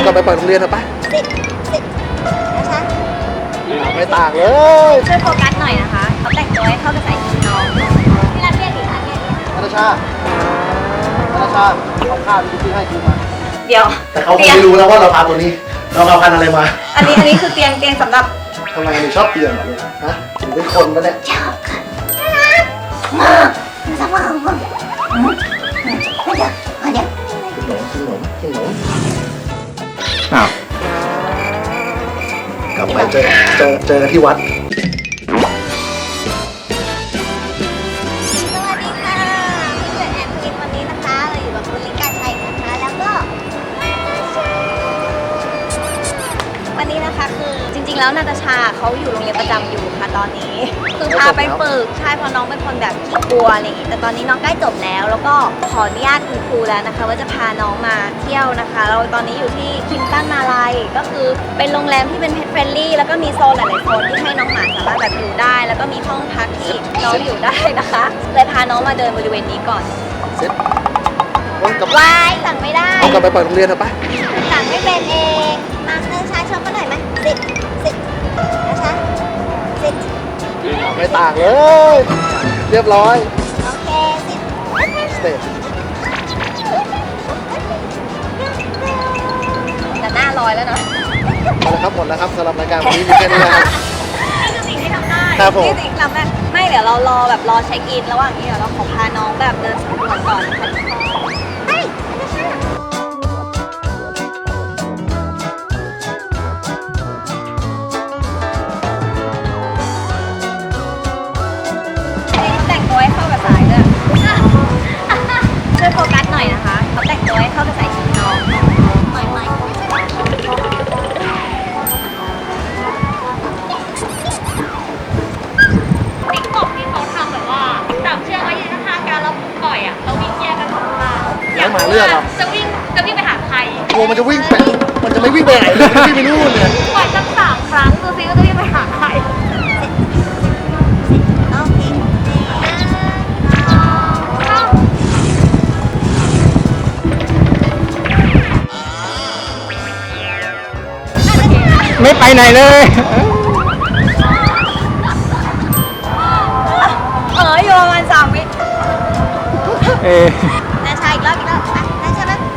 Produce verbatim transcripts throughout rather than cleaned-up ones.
ลับไปเปิดโรงเรียนเถอะปะสิสินะคะไม่ต่างเลยช่วยโฟกัสหน่อยนะคะเขาแต่งตัวให้เข้ากับสายชุดน้องที่ร้านเรียนหรือร้านเรียนธนาชาธนาชาเอาข้าวที่พี่ให้กินมาเดี๋ยวแต่เขาคงไม่รู้แล้วว่าเราพาตัวนี้เราเอาพันอะไรมาอันนี้อันนี้คือเตียงเตียงสำหรับทำไมหนูชอบเตียงเหรอลูกฮะหนูเป็นคนปะเนี่ยชอบค่ะน่ารักมากสบายมากมาเดี๋ยวมาเดี๋ยวกินหนมกินหนมอ้าวกลับไปเจอเจอเจอที่วัดสวัสดีค่ะพี่เกิดแอนพิมวันนี้นะคะเราอยู่กับคุณลิกาชัยนะคะแล้วก็วันนี้นะคะคือจริงๆแล้วนาตาชาเขาอยู่โรงเรียนประจำอยู่ค่ะตอนนี้คือพาไปฝึกใช่เพราะน้องเป็นคนแบบขี้กลัวอะไรอย่างงี้แต่ตอนนี้น้องใกล้จบแล้วแล้วก็ขออนุญาตคุณครูแล้วนะคะว่าจะพาน้องมาเที่ยวนะคะเราตอนนี้อยู่ที่คิมตันมาลัยก็คือเป็นโรงแรมที่เป็นเพ t เฟรนลี่แล้วก็มีโซนหลายๆโซนที่ให้น้องหมาสามารถแบบอยู่ได้แล้วก็มีห้องพักที่น้องอยู่ได้นะคะเลยพาน้องมาเดินบริเวณนี้ก่อนเซ็ตวายสั่งไม่ได้เอากลับไปเปิดโรงเรียนเถอะปะสั่งไม่เป็นเองมาเดินช้าชมกันหน่อยไหมสิสินะคะสิไม่ต่างเลยเรียบร้อยโอเคสิสเตจแต่หน้าลอยแล้วเนาะหมดแล้วครับหมดแล้วครับสำหรับรายการวันนี้มีแค่นี้นะครับนี่คือสิ่งที่ทำได้ครับผมนี่สิ่งที่ทำได้ไม่เดี๋ยวเรารอแบบรอเช็คอินระหว่างนี้เดี๋ยวเราขอพาน้องแบบเดินสำรวจก่อนนะคะไปแต่งตัวให้เข้ากับสายด้วยช่วยโฟกัสหน่อยนะคะเขาแต่งตัวให้เข้ากับสายชุดน้องหน่อยไหมติ๊กต็อกที่เขาทำแบบว่าจับเชือกไว้ยืนข้างๆกันแล้วปล่อยอ่ะแล้ววิ่งแยกกันสองข้างอยากหมาเลือดหรอจะวิ่งจะวิ่งไปหาใครกลัวมันจะวิ่งไปมันจะไม่วิ่งไปไหนเลยวิ่งไปนู่นเลยปล่อยสักสามครั้งดูซิว่าจะวิ่งไปหาใครโอเคไม่ไปไหนเลยเอออยู่ประมาณสามวิเออนาชาอีกรอบอีกรอบอ่ะนาชาแบบ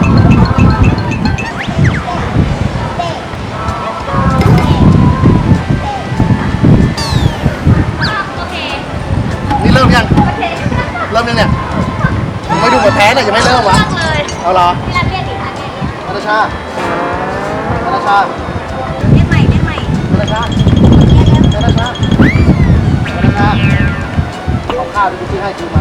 โอเคนี่เริ่มยังโอเคเริ่มยังเนี่ยไม่ดูหมดแพ้เลยยังไม่เริ่มวะเลยเอาเหรอที่ร้านเรียนอีกร้านเรียนธนาชาธนาชาเล่นใหม่เล่นใหม่ธนาชาธนาชาธนาชาเอาข้าวที่พี่ให้กินมา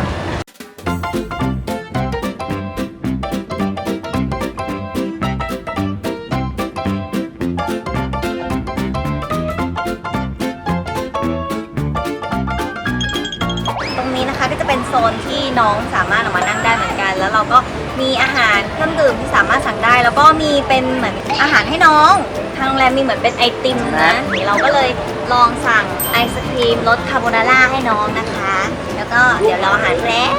ตรงนี้นะคะก็จะเป็นโซนที่น้องสามารถออกมานั่งได้เหมือนกันแล้วเราก็มีอาหารเครื่องดื่มที่สามารถสั่งได้แล้วก็มีเป็นเหมือนอาหารให้น้องทางโรงแรมมีเหมือนเป็นไอติมนะเราก็เลยลองสั่งไอศครีมรสคาโบนาร่าให้น้องนะคะแล้วก็เดี๋ยวรออาหารแป๊บ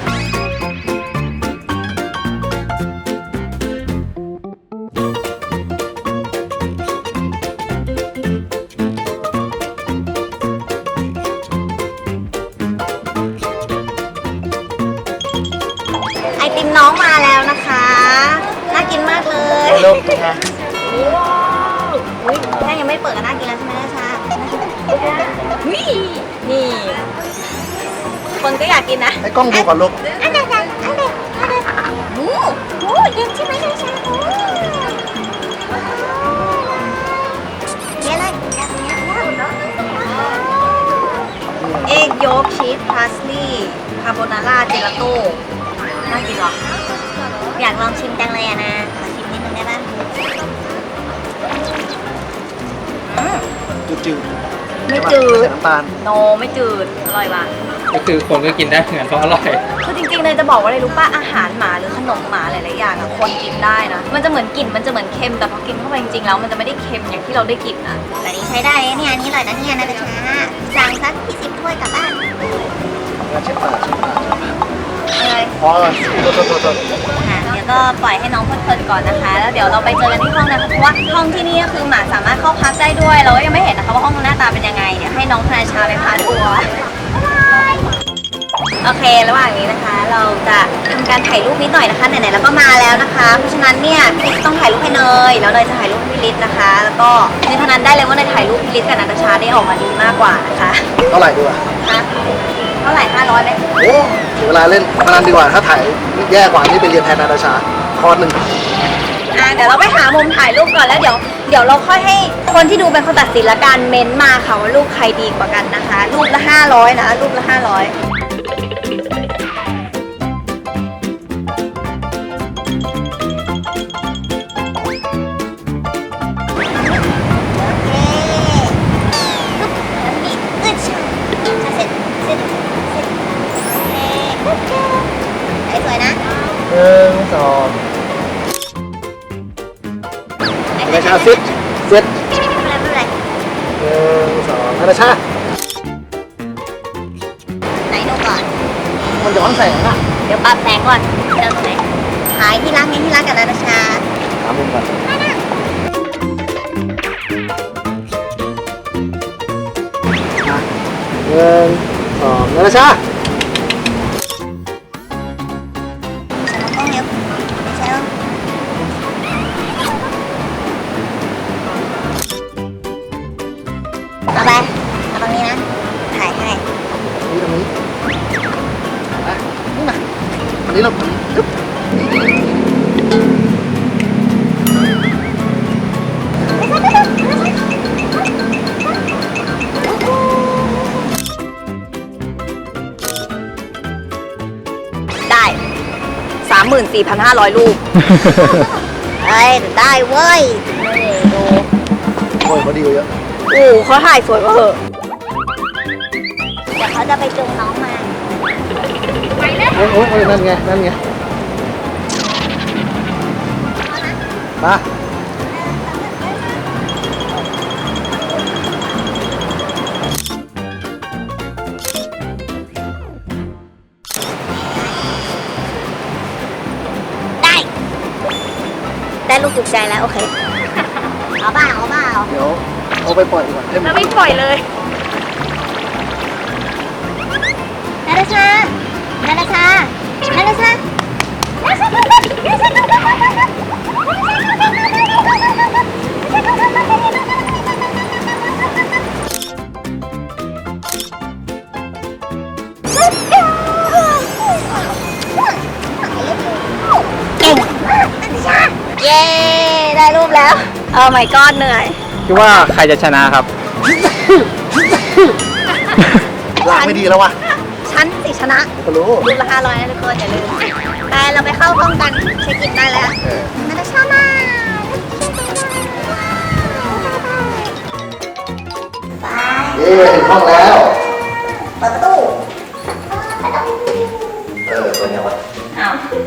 ไอติมน้องมาแล้วนะคะน่ากินมากเลยเริ่มค่ะอุ้ยแค่ยังไม่เปิดก็น่ากินแล้วใช่ไหมนะชานี่นี่คนก็อยากกินนะให้กล้องดูก่อนลูกอันเด็ดอันเด็ดอันเด็ดโอ้โหเย็นใช่ไหมนะชาเย็นเลยเอ็กโยกชีสพาสลีย์คาโบนาร่าเจลาโต้น่ากินหรออยากลองชิมจังเลยอะนะขอชิมนิดนึงได้ป่ะจืดไม่จืดน้ำตาลโนไม่จืดอร่อยว่ะก็คือคนก็กินได้เหมือนเพราะอร่อยคือจริงๆเลยจะบอกว่าอะไรรู้ป่ะอาหารหมาหรือขนมหมาหลายๆอย่างอะคนกินได้นะมันจะเหมือนกลิ่นมันจะเหมือนเค็มแต่พอกินเข้าไปจริงๆแล้วมันจะไม่ได้เค็มอย่างที่เราได้กลิ่นนะแต่นี้ใช้ได้เนี่ยอันนี้อร่อยนะเนี่ยนะจ๊ะสั่งสักยี่สิบถ้วยกลับบ้านเช็ดปากเช็ดปากอะไรพอโทษโทษโทษอาหารเดี๋ยวแล้วก็ปล่อยให้น้องเพลินๆก่อนนะคะ แล้วเดี๋ยวเราไปเจอกันที่ห้องนะคะเพราะว่าห้องที่นี่ก็คือหมาสามารถเข้าพักได้ด้วย เราก็ยังไม่เห็นนะคะว่าห้องหน้าตาเป็นยังไงเดี๋ยวให้น้องพนาชาไปพาทัวร์โอเค ระหว่างนี้นะคะ เราจะทำการถ่ายรูปนิดหน่อยนะคะไหนๆแล้วก็มาแล้วนะคะ เพราะฉะนั้นเนี่ยพี่ลิศต้องถ่ายรูปให้เนยแล้วเนยจะถ่ายรูปให้พี่ลิศนะคะ แล้วก็ในเท่านั้นได้เลยว่าเนยถ่ายรูปพี่ลิศกับนาตาชาได้ออกมาดีมากกว่านะคะเท่าไหร่ดีกว่าฮะเท่าไหร่ห้าร้อยไหมโอ้เสียเวลาเล่นพนันดีกว่าถ้าถ่ายแย่กว่านี่ไปเรียนแทนนาตาชาคอร์สหนึ่งอ่ะเดี๋ยวเราไปหามุมถ่ายรูปก่อนแล้วเดี๋ยวเดี๋ยวเราค่อยให้คนที่ดูเป็นคนตัดสินละกันเม้นต์มาค่ะว่ารูปใครดีกว่ากันนะคะ รูปละห้าร้อยนะรูปละห้าร้อยสวยนะหนึ่งสองนาตาชาเซ็ตเซ็ตไม่เป็นไรไม่เป็นไรหนึ่งสองนาตาชาไหนดูก่อนมันย้อนแสงอะเดี๋ยวปรับแสงก่อนเจอตรงไหนหายที่รักไงที่รักกับนาตาชาหามุมก่อนหนึ่งสองนาตาชาฉันต้องเร็วฉันต้องเอาไปเอาตรงนี้นะถ่ายให้นี่ตรงนี้อ่ะนี่นะอันนี้เรายึบได้ สามหมื่นสี่พันห้าร้อย รูป เฮ้ยได้เว้ยนี่ดูโอ้ยเขาดีกว่าเยอะโอ้เขาถ่ายสวยกว่าเหอะเดี๋ยวเขาจะไปจูงน้องมาไปแล้วโอ้ยโอ้ยโอ้ยนั่นไง นั่นไง มาได้ ได้ลูกถูกใจแล้ว โอเค เอาเปล่าเอาเปล่าเดี๋ยวเอาไปปล่อยดีกว่าให้มัแล้นวไม่ปล่อยเลยนาตาชา นาตาชา นาตาชา เก่งเย้ ได้รูปแล้วเออ my god เหนื่อยคิดว่าใครจะชนะครับลากไม่ดีแล้ววะฉันสิชนะก็รู้รูปละห้าร้อยนะทุกคนอย่าลืมไปเราไปเข้าห้องกันเช็คอินได้แล้วเออนาตาชามาไปเย้ถึงห้องแล้วเปิดประตูเออ ตัวเนี้ยวะอ้าว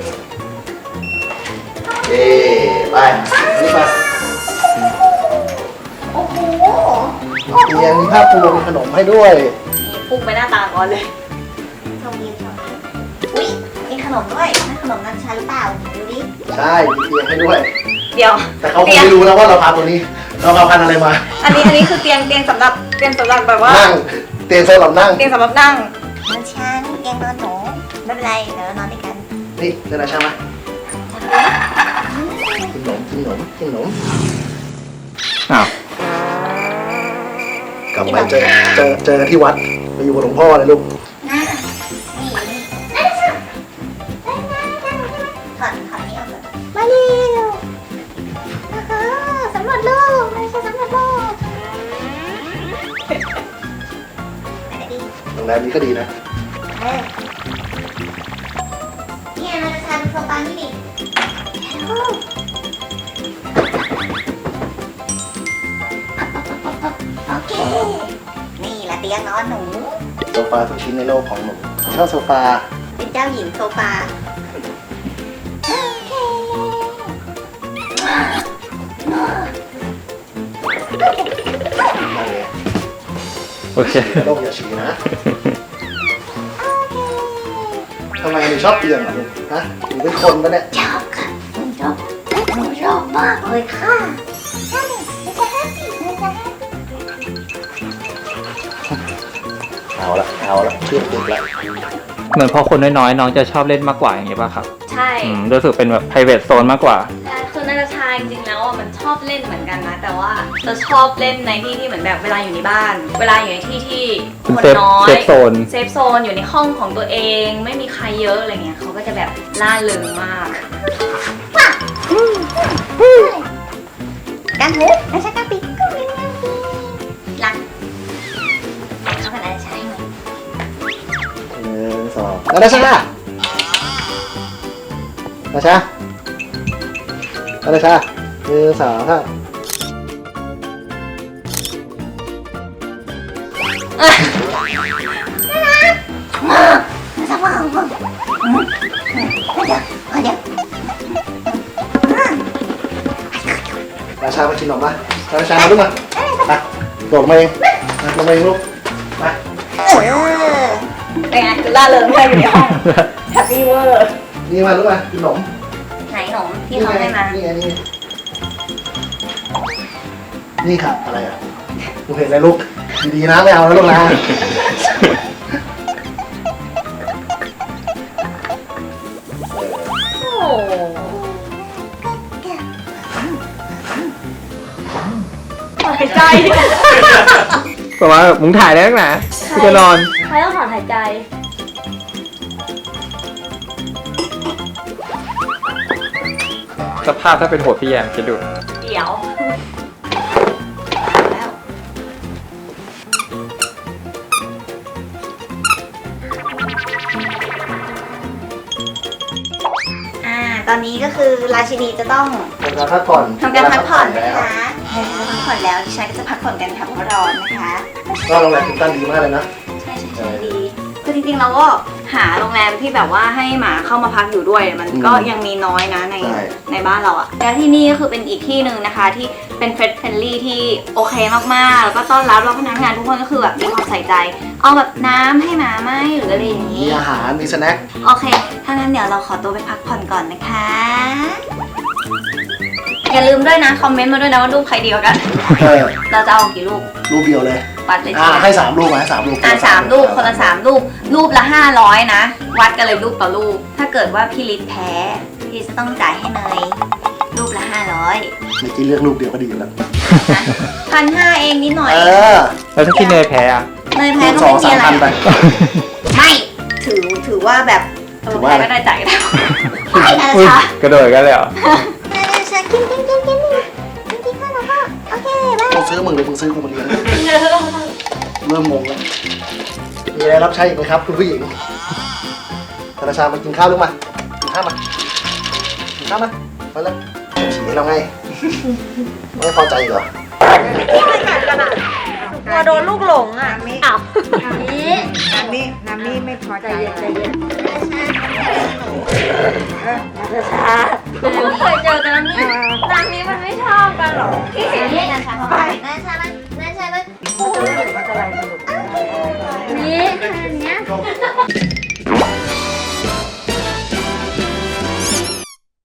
เย้ไปนี่ไปโอ้โหเตียงมีผ้าปูมีขนมให้ด้วยนี่พุ่งไปหน้าตาก่อนเลยชมวิวชมวิวอุ้ยมีขนมด้วยนั่นขนมนันชาหรือเปล่าดูดิใช่ มีเตียงให้ด้วยเดี๋ยวแต่เขาคงไม่รู้แล้วว่าเราพาตัวนี้ เราพาพันธุ์อะไรมาอันนี้อันนี้คือเตียงเตียงสำหรับเตียงสำหรับแบบว่านั่ง เตียงสำหรับนั่งเตียงสำหรับนั่งนอนช้างเตียงนอนหนูไม่เป็นไรเดี๋ยวเรานอนด้วยกันนี่เดินอาชามากินขนมกินขนมกินขนมอ้าวกลับไปเจอเจอเจอกันที่วัดไปอยู่กับหลวงพ่อเลยลูกนะนี่ได้ค่ะได้นะได้นะถอดถอดนี้ออกก่อนมาเร็วนะคะสำรวจโลกไม่ใช่สำรวจโลกไปไหนดีโรงแรมนี้ก็ดีนะเออเนี่ยเราจะทำโซฟานี่ดิโอ้โอเค นี่ละเตียงนอนหนูโซฟาทุกชิ้นในโลกของหนูชอบโซฟาเป็นเจ้าหญิงโซฟาโอเคมาเลยโอเคโลกอย่าฉี่นะทำไมหนูชอบเตียงเหรอลูกฮะหนูเป็นคนปะเนี่ยชอบค่ะมากเลยค่ะใช่ไม่ใช่แฮปปี้ไม่ใช่แฮปปี้เอาละเอาละเชื่อติดละเหมือนพอคนน้อยๆน้องจะชอบเล่นมากกว่าอย่างเงี้ยป่ะครับใช่อืมรู้สึกเป็นแบบ private zone มากกว่าใช่คือนาตาชาจริงๆแล้วอ่ะมันชอบเล่นเหมือนกันนะ แต่ว่าจะชอบเล่นในที่ที่เหมือนแบบเวลาอยู่ในบ้าน เวลาอยู่ในที่ที่คนเป็นน้อยเซฟโซนเซฟโซนอยู่ในห้องของตัวเอง ไม่มีใครเยอะอะไรเงี้ยเขาก็จะแบบล่าเริงมากกันหูนาชากาปิกุมินาปิรักเขาเป็นอะไรใช่ไหมหนึ่งสองนาตาชานาตาชานาตาชาหนึ่งสองสามสบายมากเดี๋ยวเดี๋ยวนาตาชามากินขนมป่ะนาตาชามาลูกมาไปโดดลงมาเองมาลงมาเองลูกมาเป็นไงคือล่าเริงไม่อยู่ในห้องแฮปปี้เวอร์นี่มาลูกมากินขนมไหนหนมที่เขาให้มานี่ไงนี่ไงนี่ค่ะอะไรอ่ะลูกเห็นอะไรลูกดีๆนะไม่เอานะลูกนะโอ้หายใจประมาณแบบมึงถ่ายได้นักหนากูจะนอนใครต้องถอนหายใจสภาพถ้าเป็นหัวพี่แยมคิดดูเดี๋ยวแล้วอ่าตอนนี้ก็คือราชินีจะต้องทำการพักผ่อนทำการพักผ่อนแล้นะวคะเออพักผ่อนแล้วดิฉันก็จะพักผ่อนกันค่ะเพราะร้อนนะคะก็โรงแรมคินตันดีมากเลยนะใช่ใช่ใช่ดี คือจริงๆเราก็หาโรงแรมที่แบบว่าให้หมาเข้ามาพักอยู่ด้วย มันก็ยังมีน้อยนะในใช่ในบ้านเราอะแล้วที่นี่ก็คือเป็นอีกที่หนึ่งนะคะที่เป็นเฟรนด์เฟรนลี่ที่โอเคมากๆ แล้วก็ต้อนรับเราพนักงานทุกคนก็คือแบบมีความใส่ใจ เอาแบบน้ำให้หมาไหมหรืออะไรอย่างมีนี้อาหารมีสแน็คโอเค ถ้างั้นเดี๋ยวเราขอตัวไปพักผ่อนก่อนนะคะ อย่าลืมด้วยนะ คอมเมนต์มาด้วยนะว่ารูปใครดีกว่ากันเออเราจะเอากี่รูปรูปเดียวเลยวัดเลยอ่าใช่ไหมให้สามรูปไหมสามรูปอ่ะสามรูปคนละสามรูป รูปละห้าร้อยนะ วัดกันเลยรูปต่อรูป ถ้าเกิดว่าพี่ลิศแพ้พี่จะต้องจ่ายให้เนยรูปละห้าร้อยเมื่อกี้เลือกรูปเดียวก็ดีอยู่แล้วพันห้าเองนิดหน่อยเออแล้วถ้าพี่เนยแพ้อะเนยแพ้รูปก็สอไม่งมีสามอะไรพันไปไม่ถือถือว่าแบบเอถืออว่าแพ้ก็ได้จ่ายแล้วไม่นะอุ้ยคะกระโดดกันเลยเหรอนาชากินกินกินกินกินกินข้าวแล้วก็โอเคบายมึงซื้อมึงหรือมึงซื้อกูมาเลี้ยงเริ่มงงแล้วมีอะไรรับใช้อีกไหมครับคุณผู้หญิงธนาชามากินข้าวลูกมากินข้าวมากินข้าวมาไปเลยฉี่ให้เราไงไม่พอใจเหรอกลัวโดนลูกหลงอ่ะอ้าวนี่น้ำนี้น้ำนี้ไม่พอใจใจเย็นนาชาไม่เคยเจอกันแล้วนี่ร้านนี้มันไม่ชอบกันหรอที่เห็นนี่นาชาไปนาชามันนาชามันมันจะอะไรสนุกนี่อันเนี้ย